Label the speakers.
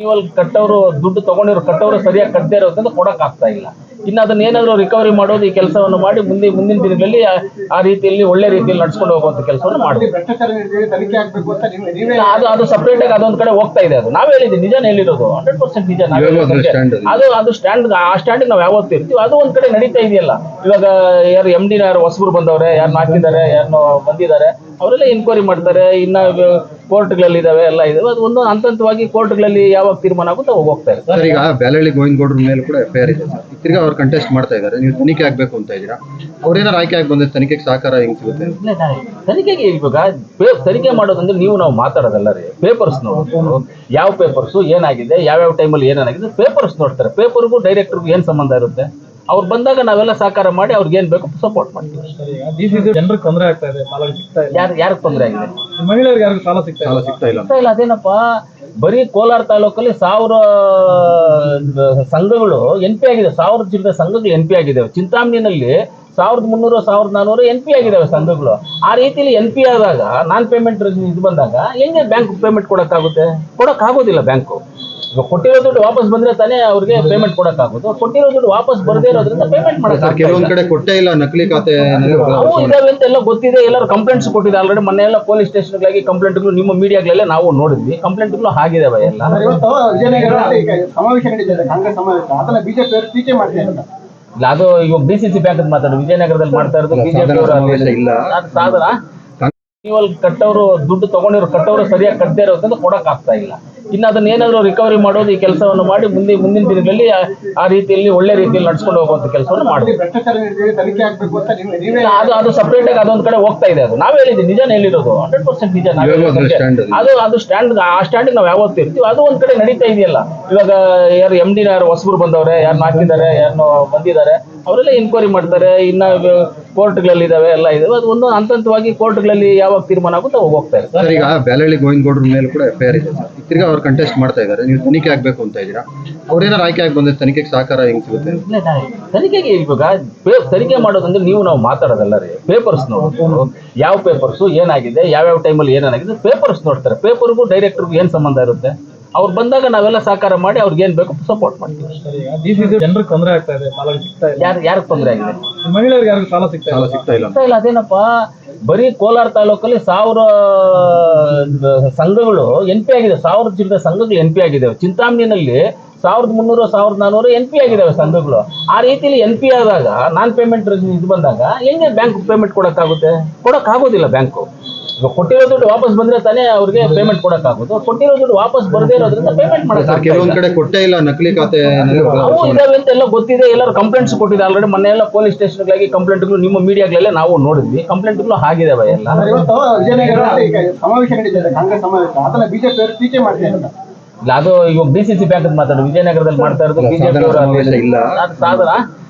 Speaker 1: ಇವಾಗ ಕಟ್ಟವರು ದುಡ್ಡು ತಗೊಂಡಿರೋ ಕಟ್ಟವರು ಸರಿಯಾಗಿ ಕಟ್ಟದೇ ಇರೋದ್ರಿಂದ ಕೊಡಕ್ ಆಗ್ತಾ ಇಲ್ಲ. ಇನ್ನು ಅದನ್ನ ಏನಾದ್ರು ರಿಕವರಿ ಮಾಡೋದು ಈ ಕೆಲಸವನ್ನು ಮಾಡಿ ಮುಂದಿನ ದಿನಗಳಲ್ಲಿ ಆ ರೀತಿಯಲ್ಲಿ ಒಳ್ಳೆ ರೀತಿಯಲ್ಲಿ ನಡ್ಸ್ಕೊಂಡು ಹೋಗುವಂತ ಕೆಲಸವನ್ನು ಮಾಡ್ತೀವಿ. ಅದು ಸಪರೇಟ್ ಆಗಿ ಅದೊಂದ್ ಕಡೆ ಹೋಗ್ತಾ ಇದೆ. ಅದು ನಾವ್ ಹೇಳಿದ್ವಿ, ನಿಜಾನ ಹೇಳಿರೋದು 100% ನಿಜ. ಅದು ಸ್ಟ್ಯಾಂಡ್ ಆ ಸ್ಟ್ಯಾಂಡ್ ನಾವು ಯಾವತ್ತೂ ಇರ್ತೀವಿ. ಅದು ಒಂದ್ ಕಡೆ ನಡೀತಾ ಇದೆಯಲ್ಲ. ಇವಾಗ ಯಾರು MD ಯಾರು ಹೊಸಬರು ಬಂದವ್ರೆ, ಯಾರನ್ನ ಹಾಕಿದ್ದಾರೆ, ಯಾರನ್ನ ಬಂದಿದ್ದಾರೆ, ಅವರೆಲ್ಲ ಎನ್ಕ್ವೈರಿ ಮಾಡ್ತಾರೆ. ಇನ್ನ ಕೋರ್ಟ್ಗಳಲ್ಲಿ ಇದಾವೆ, ಎಲ್ಲ ಇದಾವೆ. ಅದು ಒಂದು ಹಂತವಾಗಿ ಕೋರ್ಟ್ಗಳಲ್ಲಿ ಯಾವಾಗ ತೀರ್ಮಾನ ಆಗುತ್ತೆ ಅವಾಗ ಹೋಗ್ತಾ ಇದೆ.
Speaker 2: ಸರ್, ಈಗ ಬ್ಯಾಲಹಳ್ಳಿ ಗೋವಿಂದಗೌಡ್ರ ಮೇಲೆ ಕೂಡ FIR ಇದೆ ಸರ್. ತಿರ್ಗಾ ಅವ್ರು ಕಂಟೆಸ್ಟ್ ಮಾಡ್ತಾ ಇದ್ದಾರೆ. ನೀವು ತನಿಖೆ ಆಗ್ಬೇಕು ಅಂತ ಇದ್ದೀರಾ. ಅವ್ರೇನಾರು ಆಯ್ಕೆ ಆಗಿ ಬಂದ್ರೆ ತನಿಖೆಗೆ ಸಹಕಾರ ಹೆಂಗ್ ಸಿಗುತ್ತೆ?
Speaker 1: ತನಿಖೆಗೆ ಇವಾಗ ತನಿಖೆ ಮಾಡೋದಂದ್ರೆ ನಾವು ಮಾತಾಡೋದಲ್ಲ ರೀ. ಪೇಪರ್ಸ್ ನೋಡ್ತಾರೆ, ಯಾವ ಪೇಪರ್ಸ್ ಏನಾಗಿದೆ, ಯಾವ್ಯಾವ ಟೈಮಲ್ಲಿ ಏನಾಗಿದೆ ಪೇಪರ್ಸ್ ನೋಡ್ತಾರೆ. ಪೇಪರ್ಗೂ ಡೈರೆಕ್ಟರ್ಗೂ ಏನ್ ಸಂಬಂಧ ಇರುತ್ತೆ? ಅವ್ರು ಬಂದಾಗ ನಾವೆಲ್ಲ ಸಹಕಾರ ಮಾಡಿ ಅವ್ರಿಗೆ ಏನ್ ಬೇಕು ಸಪೋರ್ಟ್ ಮಾಡ್ತೀವಿ.
Speaker 3: ಜನರಿಗೆ ತೊಂದರೆ ಆಗ್ತಾ ಇದೆ,
Speaker 1: ಯಾರಿಗೆ ತೊಂದರೆ ಆಗಿದೆ?
Speaker 3: ಮಹಿಳೆಯರಿಗೆ ಯಾರಿಗೂ ಸಾಲ ಸಿಗ್ತಾ ಇಲ್ಲ.
Speaker 1: ಅದೇನಪ್ಪ, ಬರೀ ಕೋಲಾರ ತಾಲೂಕಲ್ಲಿ 1000 ಸಂಘಗಳು NP ಆಗಿದೆ. 1000 ಚಿಲ್ಲರೆ ಸಂಘಗಳು NP ಆಗಿದ್ದಾವೆ. ಚಿಂತಾಮಣಿನಲ್ಲಿ 1300 1400 NP ಆಗಿದ್ದಾವೆ ಸಂಘಗಳು. ಆ ರೀತಿಯಲ್ಲಿ NP ಆದಾಗ ನಾನ್ ಪೇಮೆಂಟ್ ಇದು ಬಂದಾಗ ಹೆಂಗೆ ಬ್ಯಾಂಕ್ ಪೇಮೆಂಟ್ ಕೊಡಕ್ಕಾಗೋದಿಲ್ಲ. ಬ್ಯಾಂಕು ಈಗ ಕೊಟ್ಟಿರೋ ದುಡ್ಡು ವಾಪಸ್ ಬಂದ್ರೆ ತಾನೇ ಅವ್ರಿಗೆ ಪೇಮೆಂಟ್ ಕೊಡಕ್ಕಾಗೋದು. ಕೊಟ್ಟಿರೋ ದುಡ್ಡು ವಾಪಸ್ ಬರದೇ ಇರೋದ್ರಿಂದ ಪೇಮೆಂಟ್ ಮಾಡಕ್
Speaker 2: ಕೆಲವೊಂದ್ ಕಡೆ ಕೊಟ್ಟೇ ಇಲ್ಲ, ನಕಲಿ ಖಾತೆ
Speaker 1: ಇದಾವೆ ಅಂತ ಎಲ್ಲ ಗೊತ್ತಿದೆ. ಎಲ್ಲರೂ ಕಂಪ್ಲೇಂಟ್ಸ್ ಕೊಟ್ಟಿದೆ ಆಲ್ರೆಡಿ. ಮೊನ್ನೆ ಎಲ್ಲ ಪೊಲೀಸ್ ಸ್ಟೇಷನ್ಗಳಾಗಿ ಕಂಪ್ಲೇಂಟ್ಗಳು ನಿಮ್ಮ ಮೀಡಿಯಾಗಳೆಲ್ಲ ನಾವು ನೋಡಿದ್ವಿ. ಕಂಪ್ಲೇಂಟ್ಗಳು ಆಗಿದಾವೆ ಎಲ್ಲ.
Speaker 4: ಸಮಾವೇಶ ನಡೀತಿದೆ, ಕಾಂಗ್ರೆಸ್ ಸಮಾವೇಶ, ಅದನ್ನ ಬಿಜೆಪಿ ಅವರು ಟೀಕೆ ಮಾಡ್ತಾರೆ ಅಂತ.
Speaker 1: ಇಲ್ಲ, ಅದು ಇವಾಗ DCC ಬ್ಯಾಂಕ್ ಮಾತಾಡೋದು ವಿಜಯನಗರದಲ್ಲಿ ಮಾಡ್ತಾ ಇರೋದು ಬಿಜೆಪಿ ಅವರು ಸಾಧನ. ಇವಾಗ ಕಟ್ಟವರು ದುಡ್ಡು ತಗೊಂಡಿರೋ ಕಟ್ಟವರು ಸರಿಯಾಗಿ ಕಟ್ಟದೇ ಇರೋದ್ರಿಂದ ಕೊಡಕ್ ಆಗ್ತಾ ಇಲ್ಲ. ಇನ್ನು ಅದನ್ನ ಏನಾದ್ರು ರಿಕವರಿ ಮಾಡೋದು ಈ ಕೆಲಸವನ್ನು ಮಾಡಿ ಮುಂದಿನ ದಿನಗಳಲ್ಲಿ ಆ ರೀತಿಯಲ್ಲಿ ಒಳ್ಳೆ ರೀತಿಯಲ್ಲಿ ನಡ್ಸ್ಕೊಂಡು ಹೋಗುವಂತ ಕೆಲಸವನ್ನು ಮಾಡ್ತೀವಿ. ಅದು ಸಪರೇಟ್ ಆಗಿ ಅದೊಂದ್ ಕಡೆ ಹೋಗ್ತಾ ಇದೆ. ಅದು ನಾವ್ ಹೇಳಿದ್ವಿ, ನಿಜಾನ ಹೇಳಿರೋದು 100% ನಿಜ. ಅದು ಸ್ಟ್ಯಾಂಡ್ ಆ ಸ್ಟ್ಯಾಂಡ್ ನಾವು ಯಾವತ್ತೂ ಇರ್ತೀವಿ. ಅದು ಒಂದ್ ಕಡೆ ನಡೀತಾ ಇದೆಯಲ್ಲ. ಇವಾಗ ಯಾರು MD ಯಾರು ಹೊಸಬರು ಬಂದವ್ರೆ, ಯಾರನ್ನ ಹಾಕಿದ್ದಾರೆ, ಯಾರನ್ನ ಬಂದಿದ್ದಾರೆ, ಅವರೆಲ್ಲ ಎನ್ಕ್ವೈರಿ ಮಾಡ್ತಾರೆ. ಇನ್ನ ಕೋರ್ಟ್ಗಳಲ್ಲಿ ಇದಾವೆ, ಎಲ್ಲ ಇದಾವೆ. ಅದು ಒಂದು ಹಂತವಾಗಿ ಕೋರ್ಟ್ಗಳಲ್ಲಿ ಯಾವಾಗ ತೀರ್ಮಾನ ಆಗುತ್ತೆ ಅವಾಗ ಹೋಗ್ತಾ ಇದೆ.
Speaker 2: ಸರ್, ಈಗ ಬ್ಯಾಲಹಳ್ಳಿ ಗೋವಿಂದಗೌಡ್ರ ಮೇಲೆ ಕೂಡ FIR ಇದೆ ಸರ್. ತಿರ್ಗಾ ಅವ್ರು ಕಂಟೆಸ್ಟ್ ಮಾಡ್ತಾ ಇದ್ದಾರೆ. ನೀವು ತನಿಖೆ ಆಗ್ಬೇಕು ಅಂತ ಇದ್ದೀರಾ. ಅವ್ರೇನಾರು ಆಯ್ಕೆ ಆಗಿ ಬಂದ್ರೆ ತನಿಖೆಗೆ ಸಹಕಾರ ಹೆಂಗ್ ಸಿಗುತ್ತೆ?
Speaker 1: ತನಿಖೆಗೆ ಇವಾಗ ತನಿಖೆ ಮಾಡೋದಂದ್ರೆ ನಾವು ಮಾತಾಡೋದಲ್ಲ ರೀ. ಪೇಪರ್ಸ್ ನೋಡ್ತಾರೆ, ಯಾವ ಪೇಪರ್ಸ್ ಏನಾಗಿದೆ, ಯಾವ್ಯಾವ ಟೈಮಲ್ಲಿ ಏನಾಗಿದೆ ಪೇಪರ್ಸ್ ನೋಡ್ತಾರೆ. ಪೇಪರ್ಗೂ ಡೈರೆಕ್ಟರ್ಗೂ ಏನ್ ಸಂಬಂಧ ಇರುತ್ತೆ? ಅವ್ರು ಬಂದಾಗ ನಾವೆಲ್ಲ ಸಹಕಾರ ಮಾಡಿ ಅವ್ರಿಗೆ ಏನ್ ಬೇಕು ಸಪೋರ್ಟ್ ಮಾಡ್ತೀವಿ.
Speaker 3: ಜನರಿಗೆ ತೊಂದರೆ ಆಗ್ತಾ ಇದೆ,
Speaker 1: ಯಾರಿಗೆ ತೊಂದರೆ ಆಗಿದೆ?
Speaker 3: ಮಹಿಳೆಯರಿಗೆ ಯಾರಿಗೂ ಸಾಲ ಸಿಗ್ತಾ ಇಲ್ಲ.
Speaker 1: ಅದೇನಪ್ಪ, ಬರೀ ಕೋಲಾರ ತಾಲೂಕಲ್ಲಿ 1000 ಸಂಘಗಳು NP ಆಗಿದೆ. 1000 ಚಿಲ್ಲರೆ ಸಂಘಗಳು NP ಆಗಿದ್ದಾವೆ. ಚಿಂತಾಮಣಿನಲ್ಲಿ 1300 1400 NP ಆಗಿದ್ದಾವೆ ಸಂಘಗಳು. ಆ ರೀತಿಯಲ್ಲಿ NP ಆದಾಗ ನಾನ್ ಪೇಮೆಂಟ್ ಇದು ಬಂದಾಗ ಹೆಂಗೆ ಬ್ಯಾಂಕ್ ಪೇಮೆಂಟ್ ಕೊಡಕ್ಕಾಗೋದಿಲ್ಲ. ಬ್ಯಾಂಕು ಈಗ ಕೊಟ್ಟಿರೋ ದುಡ್ಡು ವಾಪಸ್ ಬಂದ್ರೆ ತಾನೇ ಅವ್ರಿಗೆ ಪೇಮೆಂಟ್ ಕೊಡಕ್ಕಾಗೋದು. ಕೊಟ್ಟಿರೋ ದುಡ್ಡು ವಾಪಸ್ ಬರದೇ ಇರೋದ್ರಿಂದ ಪೇಮೆಂಟ್ ಮಾಡಕ್
Speaker 2: ಕೆಲವೊಂದ್ ಕಡೆ ಕೊಟ್ಟೇ ಇಲ್ಲ, ನಕಲಿ ಖಾತೆ
Speaker 1: ಇದಾವೆ ಅಂತ ಎಲ್ಲ ಗೊತ್ತಿದೆ. ಎಲ್ಲರೂ ಕಂಪ್ಲೇಂಟ್ಸ್ ಕೊಟ್ಟಿದೆ ಆಲ್ರೆಡಿ. ಮೊನ್ನೆ ಎಲ್ಲ ಪೊಲೀಸ್ ಸ್ಟೇಷನ್ಗಳಾಗಿ ಕಂಪ್ಲೇಂಟ್ಗಳು ನಿಮ್ಮ ಮೀಡಿಯಾಗಳೆಲ್ಲ ನಾವು ನೋಡಿದ್ವಿ. ಕಂಪ್ಲೇಂಟ್ಗಳು ಆಗಿದಾವೆ ಎಲ್ಲ.
Speaker 4: ಸಮಾವೇಶ ನಡೀತಿದೆ, ಕಾಂಗ್ರೆಸ್ ಸಮಾವೇಶ, ಅದನ್ನ ಬಿಜೆಪಿ ಅವರು ಟೀಕೆ ಮಾಡ್ತಾರೆ ಅಂತ.
Speaker 1: ಇಲ್ಲ, ಅದು ಇವಾಗ DCC ಬ್ಯಾಂಕ್ ಮಾತಾಡೋದು ವಿಜಯನಗರದಲ್ಲಿ ಮಾಡ್ತಾ ಇರೋದು ಬಿಜೆಪಿ ಅವರು ಸಾಧನ.